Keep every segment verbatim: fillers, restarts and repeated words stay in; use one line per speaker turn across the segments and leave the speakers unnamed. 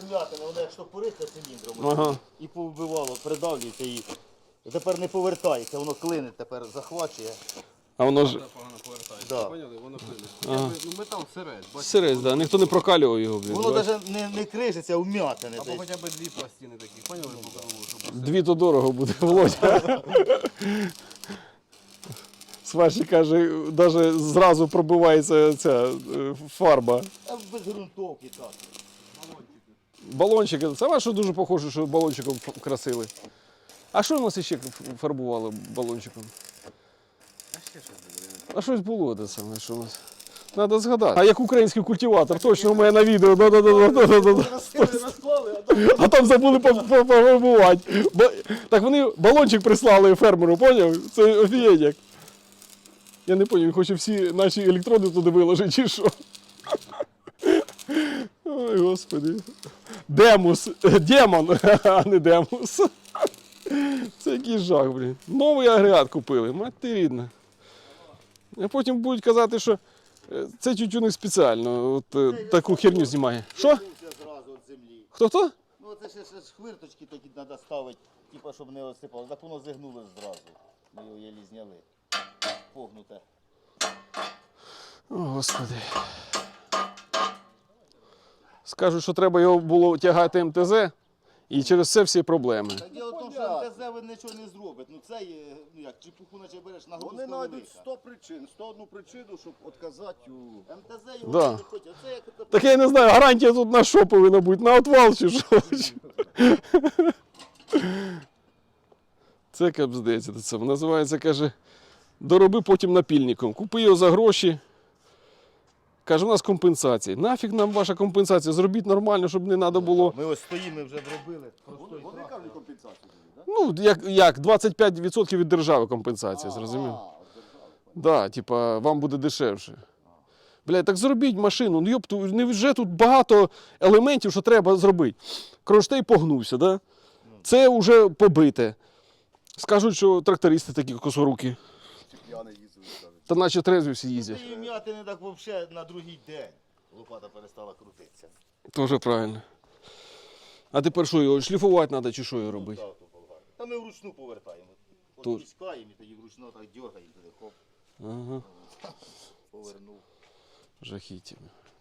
вм'ятини, воно як штопориться циліндром.
Ага.
І повбивало, придавлюється і тепер не повертається, воно клине, тепер захвачує.
А воно ж...
Погано повертається,
Да.
поняли? Воно клине.
Ага.
Ну, метал сирець, бачите?
Сирець, да. Ніхто не прокалював його, блін.
Воно
бач.
навіть не, не крижиться, а вм'ятини.
Або
десь.
хоча б дві пластини такі, поняли? По кругу, щоб
Дві то дорого буде, Володя. Сварщик каже, навіть зразу пробивається ця е, фарба.
А без ґрунтовки так.
Балончики. Це ваше дуже похоже, що балончиком ф- красили. А що у нас ще фарбували балончиком?
А ще щось буде.
А щось було те саме, що у нас. Треба згадати. А як український культиватор, точно у мене на відео. Да-да-да-да-да-да.
Розклали, а там
А там забули пофарбувати. Ба- Так вони балончик прислали фермеру, поняв? Це офігеть. Я не зрозумів, він хоче всі наші електроди туди виложити, чи що? Ой, господи. Демус. Демон, а не демус. Це який жах, блін. Новий агрегат купили, мать ти рідна. А потім будуть казати, що е, це тютюник спеціально от, е, таку херню знімає. Що?
відвернувся зразу від землі.
Хто-хто?
Ну це ще, ще ж хвирточки такі треба ставити, типу, щоб не осипалося. Так воно зігнуло зразу. Ми його єлі зняли. Погнуте.
О, Господи. Скажуть, що треба його було тягати ем те зет, і через це всі проблеми.
Так діло в тому, що ем те зет ви нічого не зробить. Ну це є, ну як, чепуху наче береш на
Вони знайдуть сто причин, сто одну причину, щоб відказати у...
ем те зет його
Да.
не хоче. Це як ото-
Так я не знаю, гарантія тут на що повинна бути? На отвал чи що? Це капздець. Це називається, каже, дороби потім напільником. Купи його за гроші. Каже, у нас компенсація. Нафіг нам ваша компенсація? Зробіть нормально, щоб не треба було.
Ми ось стоїмо, ми вже зробили.
Вони, вони кажуть компенсацію, так?
Ну, як, як двадцять п'ять відсотків від держави компенсація, зрозумів? Так, да, типа, вам буде дешевше. Блядь, так зробіть машину. Ну, йопту, невже тут багато елементів, що треба зробити. Кронштейн погнувся, да? Це вже побите. Скажуть, що трактористи такі косорукі.
Чи п'яний їздили, кажуть.
Та наче трезві всі їздять.
Та і м'яти не так взагалі на другий день. Лопата перестала крутитися.
Тоже правильно. А тепер що, його шліфувати треба чи що його робити?
Так, то болгарка. Та ми вручну повертаємо. От
Тут.
пускаємо і тоді вручну так дергаємо туди, хоп,
Ага,
повернув.
жахіття.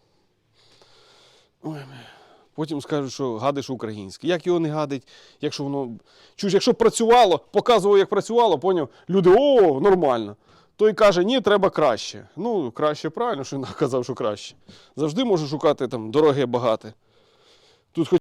Ой, бля. Потім скажуть, що гадиш українське. Як його не гадить, якщо воно... Чуєш, якщо б працювало, показував, як працювало, поняв, люди, о, нормально. Той каже, ні, треба краще. Ну, краще правильно, що він казав, що краще. Завжди можу шукати там дороге, багате.